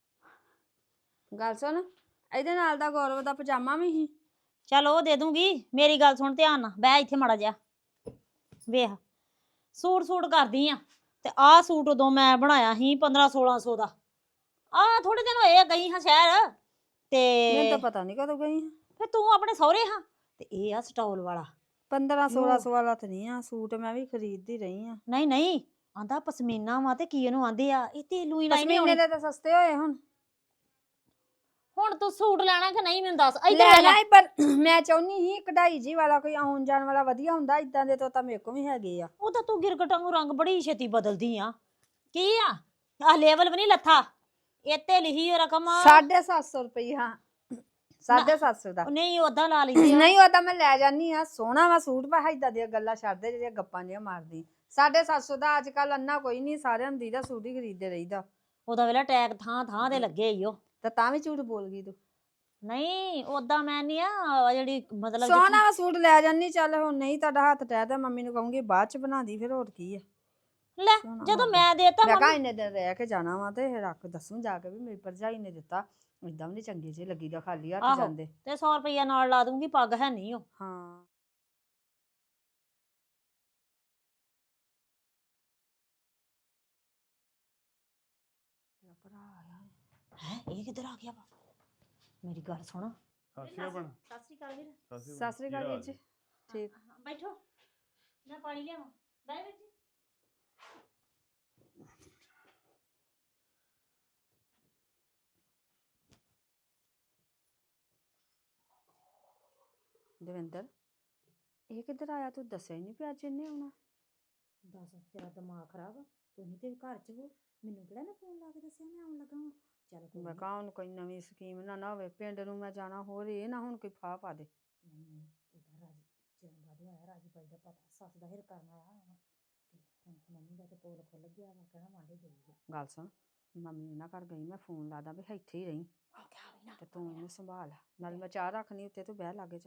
E: ਗੱਲ ਸੁਣ, ਇਹਦੇ ਨਾਲ ਦਾ ਗੌਰਵ ਦਾ ਪਜਾਮਾ ਵੀ ਸੀ।
D: ਚੱਲ ਉਹ ਦੇ ਦੂੰਗੀ। ਮੇਰੀ ਗੱਲ ਸੁਣ ਧਿਆਨ ਨਾਲ, ਬਹਿ ਇੱਥੇ ਮਾੜਾ ਜਿਹਾ। ਵੇਖ ਸੂਟ ਸੂਟ ਕਰਦੀ ਆ ਤੇ ਆਹ ਸੂਟ ਉਦੋਂ ਮੈਂ ਬਣਾਇਆ ਸੀ ਪੰਦਰਾਂ ਸੋਲਾਂ ਸੌ ਦਾ। ਆਹ ਥੋੜੇ ਦਿਨ ਹੋਏ ਆ ਗਈ ਹਾਂ ਸ਼ਹਿਰ
E: ਮੈਨੂੰ ਤਾਂ
D: ਤੇ
E: ਪਤਾ ਨਹੀਂ ਕਦੋਂ ਗਈ।
D: ਫਿਰ ਤੂੰ ਆਪਣੇ ਸਹੁਰੇ ਹਾਂ ਤੇ ਇਹ ਆ ਸਟਾਲ ਵਾਲਾ।
E: ਪੰਦਰਾਂ ਸੋਲਾਂ ਸੌ ਵਾਲਾ ਤਾਂ ਨਹੀਂ ਆ ਸੂਟ, ਮੈਂ ਵੀ ਖਰੀਦਦੀ ਰਹੀ ਆ।
D: ਨਹੀਂ ਨਹੀਂ ਆਂਦਾ ਪਸ਼ਮੀਨਾ ਵਾ ਤੇ ਕੀ ਇਹਨੂੰ ਆਂਦੇ ਆ, ਇਹ ਤੇਲੂ ਹੀ ਲਾਈ ਨਹੀਂ
E: ਪਸ਼ਮੀਨੇ
D: ਹੋਣੀ।
E: ਦੇ ਤਾਂ ਸਸਤੇ ਹੋਏ ਹੁਣ।
D: ਹੁਣ ਤੂੰ ਸੂਟ ਲੈਣਾ ਕਿ ਨਹੀਂ ਮੈਨੂੰ ਦੱਸ। ਇੱਧਰ ਆ
E: ਲੈਣਾ
D: ਲੈ।
E: ਹੀ, ਪਰ ਮੈਂ ਚਾਹੁੰਨੀ ਸੀ ਕਢਾਈ ਜੀ ਵਾਲਾ ਕੋਈ ਆਉਣ ਜਾਣ ਵਾਲਾ ਵਧੀਆ ਹੁੰਦਾ। ਇਦਾਂ ਦੇ ਤੋਂ ਤਾਂ ਮੇਰੇ ਕੋਲ ਵੀ ਹੈਗੇ ਆ।
D: ਉਹ ਤਾਂ ਤੂੰ ਗਿਰਗਟਾਂ ਨੂੰ ਰੰਗ ਬੜੀ ਛੇਤੀ ਬਦਲਦੀ ਆ। ਕੀ ਆ ਆ ਲੈਵਲ ਵੀ ਨਹੀਂ ਲੱਥਾ, ਇੱਥੇ ਲਿਖੀ ਹੋਈ ਰਕਮ।
E: ਸਾਢੇ ਸੱਤ ਸੌ ਰੁਪਏ। ਹਾਂ ਸਾਢੇ ਸੱਤ ਸੌ ਦਾ।
D: ਉਹ ਨਹੀਂ ਓਦਾਂ ਲਾ ਲਈ
E: ਨਹੀਂ ਉਹ ਤਾਂ ਮੈਂ ਲੈ ਜਾਨੀ ਆ, ਸੋਹਣਾ ਵਾ ਸੂਟ। ਪਾ ਏਦਾਂ ਦੀਆਂ ਗੱਲਾਂ ਛੱਡਦੇ ਜਿਹੜੀਆਂ ਗੱਪਾਂ ਜਿਹੀਆਂ ਮਾਰਦੀ। ਸਾਢੇ ਸੱਤ ਸੌ ਦਾ ਅੱਜ ਕੱਲ ਅੰਨਾ ਕੋਈ ਨਹੀਂ, ਸਾਰਿਆਂ ਨੂੰ ਦੀਦਾ ਸੂਟ ਹੀ ਖਰੀਦਦੇ ਰਹੀਦਾ।
D: ਉਹਦਾ ਵੇਲਾ ਟੈਗ ਥਾਂ ਥਾਂ ਤੇ ਲੱਗੇ ਈ ਉਹ।
E: ਤਾਂ ਤਾਂ ਵੀ ਝੂਠ ਬੋਲ ਗਈ ਤੂੰ।
D: ਨਹੀਂ ਓਦਾਂ ਮੈਂ ਨਹੀਂ ਆ ਜਿਹੜੀ ਮਤਲਬ
E: ਸੋਹਣਾ ਵਾ ਸੂਟ ਲੈ ਜਾਨੀ। ਚੱਲ ਹੁਣ ਨਹੀਂ ਤੁਹਾਡਾ ਹੱਥ ਟਹਿ ਤਾਂ ਮੰਮੀ ਨੂੰ ਕਹੂੰਗੀ ਬਾਅਦ ਚ ਬਣਾ ਦੀ, ਫਿਰ ਹੋਰ ਕੀ ਆ।
D: ਲੈ
E: ਸੋਹਣਾ
D: ਜਦੋਂ
E: ਵਾ।
D: ਮੈਂ ਦੇਤਾ
E: ਮੈਂ ਕਿਹਾ
D: ਮੰਮੀ
E: ਇੰਨੇ ਦਿਨ ਰਹਿ ਕੇ ਜਾਣਾ ਵਾ ਤੇ ਰੱਖ ਦੱਸੂ ਜਾ ਕੇ ਵੀ ਮੇਰੀ ਭਰਜਾਈ ਨੇ ਦਿੱਤਾ। ਏਦਾਂ ਵੀ ਨੀ ਚੰਗੇ ਜਿਹੇ ਲੱਗੀਦਾ ਖਾਲੀ ਹੱਥ
D: ਆਹੋ।
E: ਜਾਂਦੇ।
D: ਤੇ ਸੌ ਰੁਪਈਆ ਨਾਲ ਲਾ ਦੂੰਗੀ, ਪੱਗ ਹੈ ਨਹੀਂ ਉਹ।
E: ਹਾਂ ਤੇਰਾ ਭਰਾ ਆਇਆ।
D: ਹੈ ਇਹ ਕਿੱਧਰ ਆ ਗਿਆ ਵਾ? ਮੇਰੀ ਗੱਲ ਸੁਣ।
C: ਸਤਿ ਸ਼੍ਰੀ ਅਕਾਲ।
D: ਸਤਿ ਸ਼੍ਰੀ ਅਕਾਲ ਵੀਰ।
E: ਸਤਿ ਸ੍ਰੀ ਅਕਾਲ ਵੀਰ ਜੀ। ਠੀਕ।
D: ਹਾਂ, ਬੈਠੋ ਮੈਂ ਪਾਣੀ ਲਿਆਵਾਂ। ਬਹਿ ਵੀਰ ਜੀ।
E: ਦਵਿੰਦਰ ਇਹ ਕਿੱਧਰ ਆਇਆ? ਤੂੰ ਦੱਸਿਆ ਹੀ ਨਹੀਂ ਪਿਆ ਅੱਜ ਇਹਨੇ ਆਉਣਾ।
D: ਦੱਸ ਤੇਰਾ ਦਿਮਾਗ ਖਰਾਬ ਆ? ਤੁਸੀਂ ਤੇ ਘਰ ਚ ਹੋ, ਮੈਨੂੰ ਕਿਹੜਾ ਨਾ ਫੋਨ ਲਾ ਕੇ ਦੱਸਿਆ ਮੈਂ ਆਉਣ ਲੱਗਾ ਵਾਂ। ਚੱਲ ਕੋਈ
E: ਮੈਂ
D: ਨੀ।
E: ਕਹਾਂ ਉਹਨੂੰ ਕੋਈ ਨਵੀਂ ਸਕੀਮ ਨਾ ਨਾ ਹੋਵੇ। ਪਿੰਡ ਨੂੰ ਮੈਂ ਜਾਣਾ, ਹੋਰ ਇਹ ਨਾ ਹੁਣ ਕੋਈ ਫਾਹ ਪਾ ਦੇ।
D: ਨਹੀਂ ਨਹੀਂ ਉਹਦਾ ਰਾਜੀ ਚਿਰਾਂ ਬਾਅਦ ਆਇਆ। ਰਾਜੀ ਬਾਈ ਦਾ ਪਤਾ ਸੱਸ ਦਾ ਹਿਰ ਕਰਨ ਆਇਆ ਹੋਣਾ ਵਾ ਤੇ ਹੁਣ ਮੰਮੀ ਦਾ ਤੇ ਪੋਲ ਖੁੱਲ ਗਿਆ ਵਾ, ਕਹਿਣਾ ਵਾਂਢੇ ਗਈ ਆ।
E: ਗੱਲ ਸੁਣ, ਮੰਮੀ ਉਹਨਾਂ ਘਰ ਗਈ, ਮੈਂ ਫੋਨ ਲਾਦਾ ਵੀ ਇੱਥੇ ਹੀ ਰਹੀ
D: ਆ ਕਿਆ ਵੀ ਨਾ
E: ਤੇ ਤੂੰ ਇਹਨੂੰ ਸੰਭਾਲ। ਨਾਲ ਮੈਂ ਚਾਹ ਰੱਖਣੀ ਉੱਤੇ, ਤੂੰ ਬਹਿ ਲਾਗੇ ਜਾ।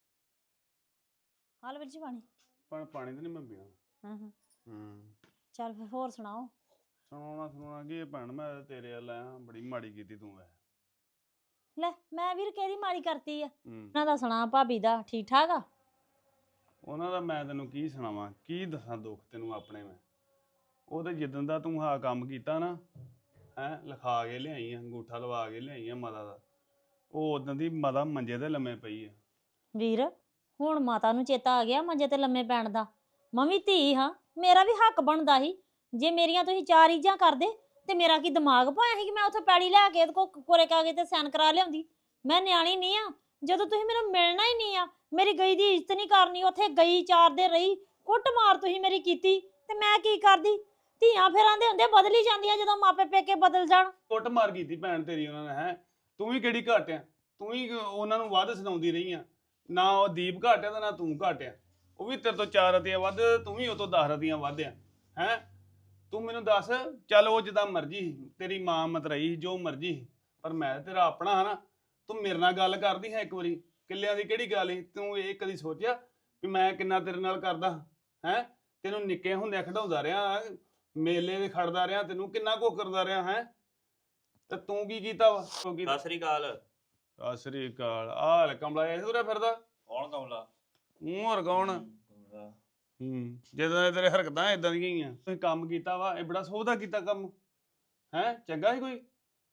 D: ਹਾਲ ਵੀਰ ਜੀ ਪਾਣੀ।
C: ਪਰ ਪਾਣੀ ਤਾਂ ਨਹੀਂ ਮੈਂ ਪੀਣਾ।
D: ਹਾਂ ਹਾਂ
C: ਹੂੰ
D: ਚੱਲ ਫਿਰ ਹੋਰ ਸੁਣਾਓ।
C: ਸੁਣਾਉਣਾ ਸੁਣਾਉਣਾ ਕੀ ਭੈਣ, ਮੈਂ ਤਾਂ ਤੇਰੇ ਵੱਲ ਆਇਆ, ਬੜੀ ਮਾੜੀ ਕੀਤੀ ਤੂੰ ਐ।
D: ਲੈ ਮੈਂ ਵੀਰ ਕਿਹਦੀ ਮਾੜੀ ਕਰਤੀ ਆ?
C: ਹੂੰ
D: ਉਹਨਾਂ ਦਾ ਸੁਣਾ ਭਾਬੀ ਦਾ ਠੀਕ ਠਾਕ ਆ?
C: ਉਹਨਾਂ ਦਾ ਮੈਂ ਤੈਨੂੰ ਕੀ ਸੁਣਾਵਾਂ, ਕੀ ਦੱਸਾਂ ਦੁੱਖ ਤੈਨੂੰ ਆਪਣੇ ਮੈਂ। ਉਹ ਤੇ ਜਿੱਦਣ ਦਾ ਤੂੰ ਆਹ ਕੰਮ ਕੀਤਾ ਨਾ, ਹੈਂ ਲਿਖਾ ਕੇ ਲਿਆਈ ਆ, ਅੰਗੂਠਾ ਲਵਾ ਕੇ ਲਿਆਈ ਆ ਮਾਤਾ ਦਾ, ਉਹ ਉਦੋਂ ਦੀ ਮਾਤਾ ਮੰਜੇ ਤੇ ਲੰਮੇ ਪਈ ਆ।
D: ਵੀਰ ਹੁਣ ਮਾਤਾ ਨੂੰ ਚੇਤਾ ਆ ਗਿਆ ਮੰਜੇ ਤੇ ਲੰਮੇ ਪੈਣ ਦਾ। ਮੈਂ ਵੀ ਧੀ ਹਾਂ, ਮੇਰਾ ਵੀ ਹੱਕ ਬਣਦਾ ਸੀ। ਜੇ ਮੇਰੀਆਂ ਤੁਸੀਂ ਚਾਰ ਈਜਾਂ ਕਰਦੇ ਤੇ ਮੇਰਾ ਕੀ ਦਿਮਾਗ ਪਾਇਆ ਸੀ ਕਿ ਮੈਂ ਉੱਥੇ ਪੈੜੀ ਲੈ ਕੇ ਇਹਦੇ ਕੋ ਕੋਰੇ ਕਾਗਜ਼ ਤੇ ਸਾਈਨ ਕਰਾ ਲਿਆਉਂਦੀ। ਮੈਂ ਨਿਆਣੀ ਨਹੀਂ ਆ। ਜਦੋਂ ਤੁਸੀਂ ਮੈਨੂੰ ਮਿਲਣਾ ਹੀ ਨਹੀਂ ਆ, ਮੇਰੀ ਗਈ ਦੀ ਇੱਜ਼ਤ ਨਹੀਂ ਕਰਨੀ, ਉੱਥੇ ਗਈ ਚਾਰ ਦਿਨ ਰਹੀ, ਕੁੱਟ ਮਾਰ ਤੁਸੀਂ ਮੇਰੀ ਕੀਤੀ ਤੇ ਮੈਂ ਕੀ ਕਰਦੀ? ਧੀਆਂ ਫਿਰ ਆਂਦੇ ਹੁੰਦੇ ਬਦਲੀ ਜਾਂਦੀਆਂ ਜਦੋਂ ਮਾਪੇ ਪੇਕੇ ਬਦਲ ਜਾਣ।
C: ਕੁੱਟ ਮਾਰ ਕੀਤੀ ਭੈਣ ਤੇਰੀ ਉਹਨਾਂ ਨੇ, ਹੈ ਤੂੰ ਵੀ ਕਿਹੜੀ ਘੱਟ ਆ? ਤੂੰ ਹੀ ਉਹਨਾਂ ਨੂੰ ਵੱਧ ਸੁਣਾਉਂਦੀ ਰਹੀ ਆ। ਨਾ ਉਹ ਦੀਪ ਘੱਟ ਆ ਤੇ ਨਾ ਤੂੰ ਘੱਟ ਆ। ਉਹ ਵੀ ਤੇਰੇ ਤੋਂ ਚਾਰ ਰਤੀਆਂ ਵੱਧ, ਤੂੰ ਵੀ ਉਹ ਤੋਂ ਦਸ ਰਤੀਆਂ ਵੱਧ ਆ। ਹੈ ਤੂੰ ਮੈਨੂੰ ਦੱਸ, ਚੱਲ ਉਹ ਜਿੱਦਾਂ ਮਰਜ਼ੀ ਤੇਰੀ ਮਾਂ ਮਤਰਈ ਜੋ ਮਰਜ਼ੀ, ਪਰ ਮੈਂ ਤੇਰਾ ਆਪਣਾ ਹਾਂ ਨਾ। ਤੂੰ ਮੇਰੇ ਨਾਲ ਗੱਲ ਕਰਦੀ ਹੈ ਇੱਕ ਵਾਰੀ, ਕਿੱਲਿਆਂ ਦੀ ਕਿਹੜੀ ਗੱਲ ਸੀ? ਤੂੰ ਇਹ ਕਦੀ ਸੋਚਿਆ ਵੀ ਮੈਂ ਕਿੰਨਾ ਤੇਰੇ ਨਾਲ ਕਰਦਾ? ਹੈ ਤੈਨੂੰ ਨਿੱਕੇ ਹੁੰਦਿਆਂ ਖਿਡਾਉਂਦਾ ਰਿਹਾ, ਮੇਲੇ ਦੇ ਖੜਦਾ ਰਿਹਾ, ਤੈਨੂੰ ਕਿੰਨਾ ਕੁ ਕਰਦਾ ਰਿਹਾ ਹੈ। ਤੇ ਤੂੰ ਕੀ ਕੀਤਾ ਵਾ?
F: ਸਤਿ ਸ੍ਰੀ ਅਕਾਲ।
C: ਸਤਿ ਸ੍ਰੀ ਅਕਾਲ। ਆਹ ਲੈ ਕਮਲਾ ਇਹ ਤੁਰਿਆ ਫਿਰਦਾ
F: ਕੌਣ ਕਮਲਾ?
C: ਮੂੰਹ ਹੋਰ ਕੌਣ?
F: ਕਮਲਾ।
C: ਹੂੰ ਜਦੋਂ ਤੇਰੇ ਹਰਕਤਾਂ ਇਦਾਂ ਦੀਆਂ ਹੀ ਆ। ਤੁਸੀਂ ਕੰਮ ਕੀਤਾ ਵਾ, ਇਹ ਬੜਾ ਸੋਹਦਾ ਕੀਤਾ ਕੰਮ, ਹੈ ਚੰਗਾ ਸੀ ਕੋਈ?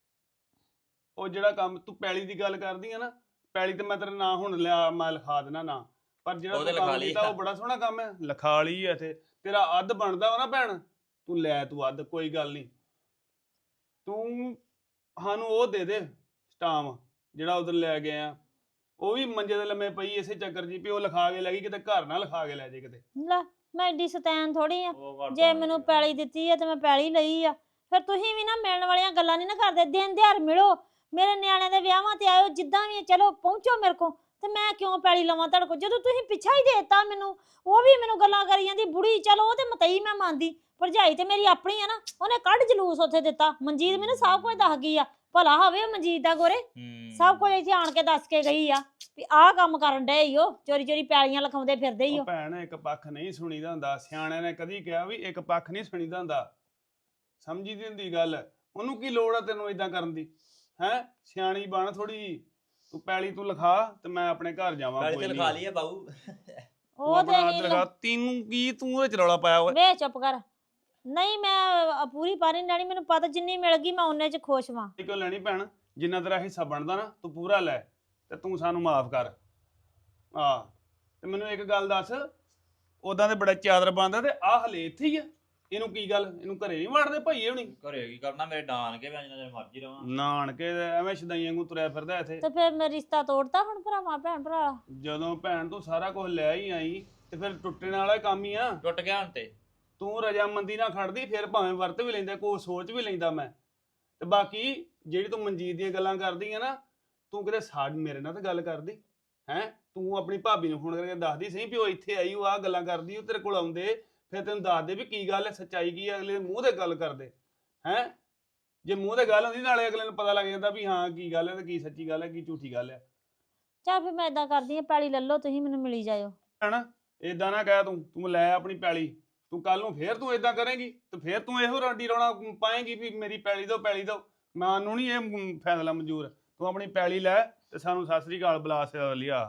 C: ਉਹ ਜਿਹੜਾ ਕੰਮ ਤੂੰ ਪੈਲੀ ਦੀ ਗੱਲ ਕਰਦੀ ਆ ਨਾ, ਪੈਲੀ ਤੇ ਮੈਂ ਤੇਰਾ ਨਾਂ ਹੁਣ ਲਿਆ, ਮੈਂ ਲਿਖਾ ਦੇਣਾ ਨਾ, ਪਰ ਜਿਹੜਾ
F: ਉਹਦੇ
C: ਤੂੰ ਕੰਮ
F: ਲਿਖਾ ਲਈ
C: ਕੀਤਾ ਉਹ ਬੜਾ ਸੋਹਣਾ ਕੰਮ ਹੈ। ਲਿਖਾ ਲਈ ਇੱਥੇ ਤੇਰਾ ਅੱਧ ਬਣਦਾ ਵਾ ਨਾ ਭੈਣ, ਤੂੰ ਲੈ ਤੂੰ ਅੱਧ, ਕੋਈ ਗੱਲ ਨਹੀਂ। ਤੂੰ ਸਾਨੂੰ ਉਹ ਦੇ ਦੇ ਸਟਾਮ ਜਿਹੜਾ ਉਧਰ ਲੈ ਗਏ ਆ। ਉਹ ਵੀ ਮੰਜੇ ਦੇ ਲੰਮੇ ਪਈ ਇਸੇ ਚੱਕਰ ਜੀ ਵੀ ਉਹ ਲਿਖਾ ਕੇ ਲੈ ਗਈ, ਕਿਤੇ ਘਰ ਨਾ ਲਿਖਾ ਕੇ ਲੈ ਜੇ ਕਿਤੇ।
D: ਲੈ ਮੈਂ ਏਡੀ ਸਤੈਨ ਥੋੜੀ ਆ,
F: ਉਹ ਘਰ
D: ਜੇ
F: ਤੋਂ
D: ਮੈਨੂੰ
F: ਆਈ
D: ਪੈਲੀ ਦਿੱਤੀ ਆ ਤੇ ਮੈਂ ਪੈਲੀ ਲਈ ਆ। ਫਿਰ ਤੁਸੀਂ ਵੀ ਨਾ ਮਿਲਣ ਵਾਲੀਆਂ ਗੱਲਾਂ ਨਹੀਂ ਨਾ ਕਰਦੇ। ਦਿਨ ਦਿਹਾੜ ਮਿਲੋ, ਮੇਰੇ ਨਿਆਣਿਆਂ ਦੇ ਵਿਆਹਾਂ ਤੇ ਆਇਓ, ਜਿੱਦਾਂ ਵੀ ਆ, ਚਲੋ ਪਹੁੰਚੋ ਮੇਰੇ ਕੋਲ। ਤੇ ਮੈਂ ਕਿਉਂ ਪੈਲੀ ਲਵਾਂ ਤੁਹਾਡੇ ਕੋਲ ਜਦੋਂ ਤੁਸੀਂ ਪਿੱਛਾ ਹੀ ਦੇਤਾ ਮੈਨੂੰ? ਉਹ ਵੀ ਮੈਨੂੰ ਗੱਲਾਂ ਕਰੀ ਜਾਂਦੀ ਬੁੜੀ, ਚਲੋ ਉਹ ਤੇ ਮਤਈ ਮੈਂ ਮੰਨਦੀ, ਭਰਜਾਈ ਤੇ ਮੇਰੀ ਆਪਣੀ ਆ ਨਾ, ਉਹਨੇ ਕੱਢ ਜਲੂਸ ਉੱਥੇ ਦਿੱਤਾ। ਮਨਜੀਤ ਮੈਨੂੰ ਸਭ ਕੁਝ ਦੱਸ ਗਈ ਆ, ਭਲਾ ਹੋਵੇ ਮਨਜੀਤ ਦਾ ਗੋਰੇ, ਸਭ ਕੁਝ ਇੱਥੇ ਆਣ ਕੇ ਦੱਸ ਕੇ ਗਈ ਆ ਵੀ ਆਹ ਕੰਮ ਕਰਨ ਡਏ ਈ, ਉਹ ਚੋਰੀ ਚੋਰੀ ਪੈਲੀਆਂ ਲਿਖਾਉਂਦੇ ਫਿਰਦੇ ਈ।
C: ਉਹ ਭੈਣ ਇੱਕ ਪੱਖ ਨਹੀਂ ਸੁਣੀਦਾ ਹੁੰਦਾ, ਸਿਆਣਿਆਂ ਨੇ ਕਦੀ ਕਿਹਾ ਵੀ ਇੱਕ ਪੱਖ ਨਹੀਂ ਸੁਣੀਦਾ ਹੁੰਦਾ। ਸਮਝੀ ਦੀ ਹੁੰਦੀ ਗੱਲ। ਉਹਨੂੰ ਕੀ ਲੋੜ ਆ ਤੈਨੂੰ ਇਦਾਂ ਕਰਨ ਦੀ? ਹੈ ਸਿਆਣੀ ਬਣ ਥੋੜੀ। ਤੂੰ ਪੈਲੀ ਤੂੰ ਲਿਖਾ ਤੇ ਮੈਂ ਆਪਣੇ ਘਰ ਜਾਵਾਂ।
F: ਗੱਲ
C: ਕੋਈ
F: ਤੇ
C: ਨਹੀਂ
F: ਲਿਖਾ ਲਈ ਆ ਬਾਊ।
C: ਤੂੰ
D: ਉਹ ਤੇ
C: ਆਪਣਾ ਹੱਥ
D: ਅਸੀਂ
C: ਲਿਖਾ। ਤੈਨੂੰ ਕੀ ਤੂੰ ਉਹਦੇ ਚ ਰੌਲਾ ਪਾਇਆ ਓਏ?
D: ਵੇ ਚੁੱਪ ਕਰ। ਨਹੀਂ ਮੈਂ ਅ, ਪੂਰੀ ਪਾਰੀ ਨੀ ਲੈਣੀ, ਮੈਨੂੰ ਪਤਾ ਜਿੰਨੀ ਮਿਲ ਗਈ ਮੈਂ ਉਹਨੇ ਚ ਖੁਸ਼ ਵਾਂ।
C: ਇਹ ਕਿਉਂ ਲੈਣੀ ਭੈਣ? ਜਿੰਨਾ ਤੇਰਾ ਹਿੱਸਾ ਬਣਦਾ ਨਾ ਤੂੰ ਪੂਰਾ ਲੈ ਤੇ ਤੂੰ ਸਾਨੂੰ ਮਾਫ ਕਰ। ਆ ਤੇ ਮੈਨੂੰ ਇੱਕ ਗੱਲ ਦੱਸ, ਉਦਾਂ ਤੇ ਬੜਾ ਚਾਦਰ ਬੰਦਾ ਤੇ ਆਹ ਹਲੇ ਇੱਥੇ ਹੀ ਆ। ਇਹਨੂੰ ਕੀ ਗੱਲ? ਇਹਨੂੰ ਘਰੇ ਨਹੀਂ ਵੜਦੇ ਭਈਏ ਹੁਣੀ?
F: ਘਰੇ ਕੀ ਕਰਨਾ, ਮੇਰੇ ਡਾਨ ਕੇ ਮੈਂ ਜਿੰਨਾ ਚਿਰ ਮਰਜ਼ੀ ਰਵਾਂ।
C: ਨਾਨਕੇ ਦੇ ਐਵੇਂ ਸ਼ਦਾਈਆਂ ਵਾਂਗੂ ਤੁਰਿਆ ਫਿਰਦਾ ਇੱਥੇ।
D: ਤੇ ਫਿਰ ਮੈਂ ਰਿਸ਼ਤਾ ਤੋੜਤਾ ਹੁਣ ਭਰਾਵਾਂ ਭੈਣ ਭਰਾ।
C: ਜਦੋਂ ਭੈਣ ਤੂੰ ਸਾਰਾ ਕੁਝ ਲੈ ਹੀ ਆਈ ਤੇ ਫਿਰ ਟੁੱਟਣ ਵਾਲਾ ਕੰਮ ਹੀ ਆ।
F: ਟੁੱਟ ਗਿਆ ਹੁਣ ਤੇ।
C: ਤੂੰ ਰਜਾਮੰਦੀ ਨਾਲ ਖੜਦੀ ਫਿਰ ਭਾਵੇਂ ਵਰਤ ਵੀ ਲੈਂਦਾ, ਕੋਈ ਸੋਚ ਵੀ ਲੈਂਦਾ ਮੈਂ। ਤੇ ਬਾਕੀ ਜਿਹੜੀ ਤੂੰ ਮਨਜੀਤ ਦੀਆਂ ਗੱਲਾਂ ਕਰਦੀ ਆ ਨਾ, ਤੂੰ ਕਿਤੇ ਸਾਡ ਮੇਰੇ ਨਾਲ ਤਾਂ ਗੱਲ ਕਰਦੀ ਹੈ। ਤੂੰ ਆਪਣੀ ਭਾਬੀ ਨੂੰ ਫੋਨ ਕਰਕੇ ਦੱਸਦੀ ਸਹੀ ਵੀ ਉਹ ਇੱਥੇ ਆਈ, ਉਹ ਆਹ ਗੱਲਾਂ ਕਰਦੀ, ਉਹ ਤੇਰੇ ਕੋਲ ਆਉਂਦੇ ਫਿਰ ਤੈਨੂੰ ਦੱਸਦੇ ਵੀ ਕੀ ਗੱਲ ਹੈ, ਸੱਚਾਈ ਕੀ ਹੈ। ਅਗਲੇ ਦੇ ਮੂੰਹ ਤੇ ਗੱਲ ਕਰਦੇ ਹੈ। ਜੇ ਮੂੰਹ ਤੇ ਗੱਲ ਹੁੰਦੀ ਨਾਲੇ ਅਗਲੇ ਨੂੰ ਪਤਾ ਲੱਗ ਜਾਂਦਾ ਵੀ ਹਾਂ ਕੀ ਗੱਲ ਹੈ ਤੇ ਕੀ ਸੱਚੀ ਗੱਲ ਹੈ ਕੀ ਝੂਠੀ ਗੱਲ ਹੈ।
D: ਚੱਲ ਫਿਰ ਮੈਂ ਇਦਾਂ ਕਰਦੀ ਆ, ਪੈਲੀ ਲੈ ਲਓ ਤੁਸੀਂ, ਮੈਨੂੰ ਮਿਲੀ ਜਾਇਓ।
C: ਹਨਾ ਏਦਾਂ ਨਾ ਕਹਿ ਤੂੰ ਤੂੰ ਲੈ ਆਪਣੀ ਪੈਲੀ। ਤੂੰ ਕੱਲ ਨੂੰ ਫੇਰ ਤੂੰ ਏਦਾਂ ਕਰੇਂਗੀ ਤੇ ਫੇਰ ਤੂੰ ਇਹੋ ਰਾਡੀ ਰੌਣਾ ਪਾਏਂਗੀ ਵੀ ਮੇਰੀ ਪੈਲੀ ਦੋ ਪੈਲੀ ਦੋ। ਮੈਨੂੰ ਨਹੀਂ ਇਹ ਫੈਸਲਾ ਮਨਜ਼ੂਰ। ਤੂੰ ਆਪਣੀ ਪੈਲੀ ਲੈ ਤੇ ਸਾਨੂੰ ਸਤਿ ਸ੍ਰੀ ਅਕਾਲ ਬੁਲਾ ਲਿਆ।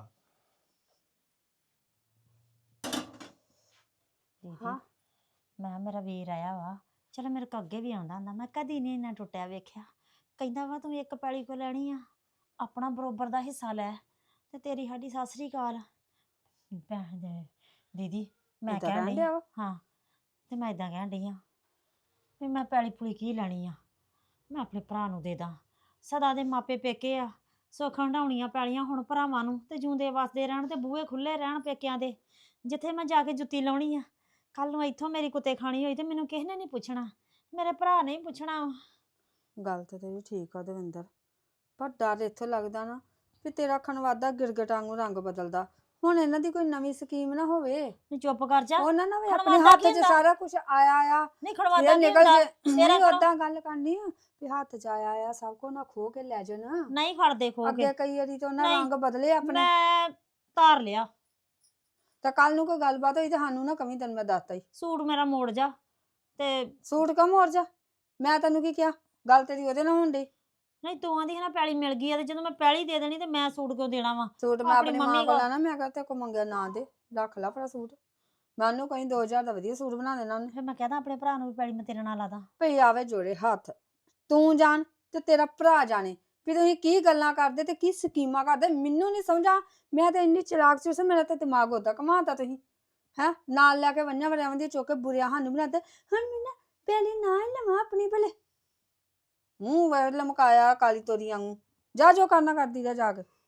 D: ਦੀਦੀ ਮੈਂ ਮੇਰਾ ਵੀਰ ਆਇਆ ਵਾ, ਚਲੋ ਮੇਰੇ ਕੋ ਅੱਗੇ ਵੀ ਆਉਂਦਾ ਹੁੰਦਾ, ਮੈਂ ਕਦੀ ਨਹੀਂ ਇੰਨਾ ਟੁੱਟਿਆ ਵੇਖਿਆ। ਕਹਿੰਦਾ ਵਾ ਤੂੰ ਇੱਕ ਪੈਲੀ ਕੋ ਲੈਣੀ ਆ, ਆਪਣਾ ਬਰੋਬਰ ਦਾ ਹਿੱਸਾ ਲੈ ਤੇ ਤੇਰੀ ਸਾਡੀ ਸਤਿ ਸ੍ਰੀ ਅਕਾਲ। ਭੈਣ ਦੇ ਦੀਦੀ ਮੈਂ
E: ਏਦਾਂ
D: ਕਹਿਣ
E: ਕਹਿਣ
D: ਡਈ
E: ਡਿਆ ਵਾ?
D: ਹਾਂ, ਤੇ ਮੈਂ ਇਦਾਂ ਕਹਿਣ ਡਈ ਆ ਵੀ ਮੈਂ ਪੈਲੀ ਪੁਲੀ ਕੀ ਲੈਣੀ ਆ, ਮੈਂ ਆਪਣੇ ਭਰਾ ਨੂੰ ਦੇ ਦਾਂ। ਸਦਾ ਦੇ ਮਾਪੇ ਪੇਕੇ ਆ, ਸੁੱਖ ਹੰਡਾਉਣੀਆਂ ਪੈਲੀਆਂ ਹੁਣ ਭਰਾਵਾਂ ਨੂੰ, ਤੇ ਜੂੰਦੇ ਵਸਦੇ ਰਹਿਣ ਤੇ ਬੂਹੇ ਖੁੱਲੇ ਰਹਿਣ ਪੇਕਿਆਂ ਦੇ। ਜਿੱਥੇ ਮੈਂ ਜਾ ਕੇ ਜੁੱਤੀ ਲਾਉਣੀ ਆ, ਕੱਲ ਨੂੰ ਇੱਥੋਂ ਮੇਰੀ ਕੁੱਤੇ ਖਾਣੀ ਹੋਈ ਤੇ ਮੈਨੂੰ ਕਿਸੇ ਨੇ ਨਹੀਂ ਪੁੱਛਣਾ, ਮੇਰੇ ਭਰਾ ਨੇ ਹੀ ਪੁੱਛਣਾ।
E: ਗੱਲ ਤੇ ਤੇਰੀ ਠੀਕ ਆ ਦਵਿੰਦਰ, ਪਰ ਡਰ ਇੱਥੋਂ ਲੱਗਦਾ ਨਾ ਵੀ ਤੇਰਾ ਖਣਵਾਦਾ ਗਿਰਗਟ ਵਾਂਗੂ ਰੰਗ ਬਦਲਦਾ। ਹੁਣ ਇਹਨਾਂ ਦੀ ਕੋਈ ਨਵੀਂ ਸਕੀਮ ਨਾ ਹੋਵੇ।
D: ਨਹੀਂ ਚੁੱਪ ਕਰ ਜਾ।
E: ਉਹਨਾਂ ਨਾਲ ਵੀ ਆਪਣੇ
D: ਖਣਵਾਦਾ
E: ਹੱਥ
D: ਕੀ
E: 'ਚ
D: ਹੁੰਦਾ?
E: ਸਾਰਾ ਕੁਝ ਆਇਆ ਆ,
D: ਨਹੀਂ ਖੜਵਾਦਾ
E: ਫੇਰ
D: ਕੀ
E: ਨਿਕਲ
D: ਹੁੰਦਾ?
E: ਜੇ
D: ਤੇਰਾ
E: ਨਹੀਂ
D: ਖੜੋ-
E: ਓਦਾਂ ਗੱਲ ਕਰਨੀ ਆ ਵੀ ਹੱਥ 'ਚ ਆਇਆ ਆ ਸਭ ਕੋ ਨਾ ਖੋ ਕੇ ਲੈ ਜਾਣਾ।
D: ਨਹੀਂ ਖੜਦੇ ਖੋ ਕੇ।
E: ਅੱਗੇ ਕਈ ਵਾਰੀ ਤਾਂ ਉਹਨਾਂ
D: ਨਹੀਂ,
E: ਰੰਗ ਬਦਲੇ ਆਪਣੇ।
D: ਮੈਂ ਧਾਰ ਲਿਆ
E: ਤਾਂ ਕੱਲ ਨੂੰ ਕੋਈ ਗੱਲਬਾਤ ਹੋਈ ਤੇ ਸਾਨੂੰ ਨਾ ਕਵੀਂ, ਤੈਨੂੰ ਮੈਂ ਦੱਸਤਾ ਹੀ।
D: ਸੂਟ ਮੇਰਾ ਮੋੜ ਜਾ ਤੇ
E: ਸੂਟ ਕਮ ਹੋਰ ਜਾ, ਮੈਂ ਤੈਨੂੰ ਕੀ ਕਿਹਾ? ਗੱਲ ਤੇਰੀ ਉਹਦੇ ਨਾਲ ਹੋਣ ਡਈ।
D: ਨਹੀਂ ਤੂੰ ਆਂਦੀ ਹੈ ਨਾ ਪੈਲੀ ਮਿਲ ਗਈ ਆ, ਤੇ ਜਦੋਂ ਮੈਂ ਪੈਲੀ ਦੇ ਦੇਣੀ ਤੇ ਮੈਂ ਸੂਟ ਕਿਉਂ ਦੇਣਾ ਵਾ?
E: ਸੂਟ ਮੈਂ
D: ਆਪਣੀ
E: ਆਪਣੀ
D: ਮੰਮੀ
E: ਮਾਂ ਕੋਲ
D: ਕੋਲ।
E: ਲੈਣਾ, ਮੈਂ ਕਿਹਾ ਤੇ ਕੋ ਮੰਗਿਆ ਨਾ ਦੇ, ਰੱਖ ਲਾ ਆਪਣਾ ਸੂਟ। ਮੈਂ ਉਹਨੂੰ ਕਹੀਂ ਦੋ ਹਜ਼ਾਰ ਦਾ ਵਧੀਆ ਸੂਟ ਬਣਾ ਦੇਣਾ ਉਹਨੇ।
D: ਫਿਰ ਮੈਂ ਕਹਦਾ ਆਪਣੇ ਭਰਾ ਨੂੰ ਵੀ ਪੈਲੀ ਮੈਂ ਤੇਰੇ ਨਾਲ ਲਾਦਾ।
E: ਭਈ ਆਵੇ ਜੋੜੇ ਹੱਥ, ਤੂੰ ਜਾਣ ਤੇ ਤੇਰਾ ਭਰਾ ਜਾਣੇ ਵੀ ਤੁਸੀਂ ਕੀ ਗੱਲਾਂ ਕਰਦੇ ਤੇ ਕੀ ਸਕੀਮਾਂ ਕਰਦੇ। ਮੈਨੂੰ ਨਹੀਂ ਸਮਝਾ, ਮੈਂ ਤਾਂ ਇੰਨੀ ਚਲਾਕ ਸੀ, ਮੇਰਾ ਤਾਂ ਦਿਮਾਗ ਉਦਾਂ ਘਮਾਤਾ ਤੁਸੀਂ ਹੈ। ਨਾਲ ਲੈ ਕੇ ਵੰਨਾਂ ਵਰਿਆਵਾਂ ਦੀ ਚੁੱਕ ਕੇ ਬੁਰਿਆ ਸਾਨੂੰ ਬਣਾਤੇ। ਹੁਣ ਮੈਂ ਨਾ ਪਹਿਲੀ ਨਾ ਹੀ ਲਵਾਂ ਆਪਣੀ ਭਲੇ, ਮੂੰਹ ਵੇ ਲਮਕਾਇਆ ਕਾਲੀ ਤੋਰੀ ਵਾਂਗੂ। ਜਾ ਜੋ ਕਰਨਾ ਕਰਦੀ ਰਹਿ ਜਾ ਕੇ।